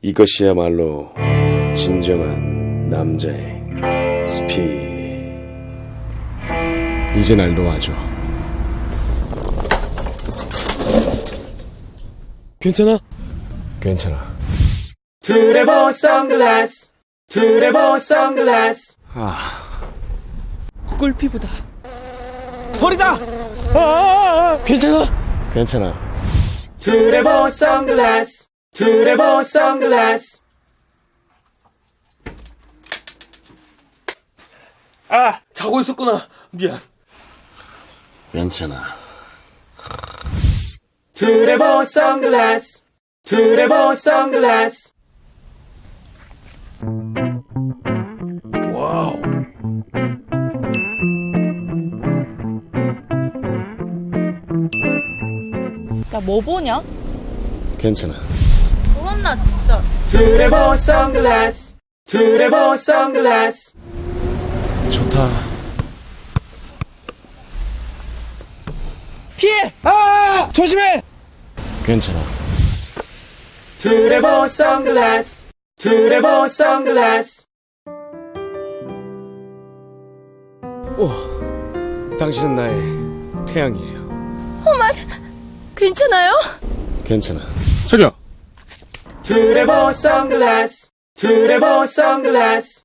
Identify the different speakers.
Speaker 1: 이것이야말로 진정한 남자의 스피드.
Speaker 2: 이제 날 놓아줘.
Speaker 1: 괜찮아?
Speaker 2: 괜찮아.
Speaker 3: 트레버 선글라스, 트레버 선글라스.
Speaker 1: 꿀피부다. 버리다! 괜찮아?
Speaker 2: 괜찮아.
Speaker 3: 트레버 선글라스, 트레버 선글라스.
Speaker 1: 아! 자고 있었구나. 미안.
Speaker 2: 괜찮아.
Speaker 3: 트레버 선글라스, 트레버 선글라스.
Speaker 1: 와우.
Speaker 4: 야, 뭐 보냐?
Speaker 2: 괜찮아.
Speaker 4: 그렇나 진짜.
Speaker 3: 트레버 선글라스, 트레버 선글라스.
Speaker 2: 좋다.
Speaker 1: 피해! 아! 조심해!
Speaker 2: 괜찮아.
Speaker 3: 트레버 선글라스, 트레버 선글라스.
Speaker 1: 당신은 나의 태양이에요.
Speaker 4: 괜찮아요?
Speaker 2: 괜찮아. 저기요.
Speaker 3: 트레버 선글라스, 트레버 선글라스.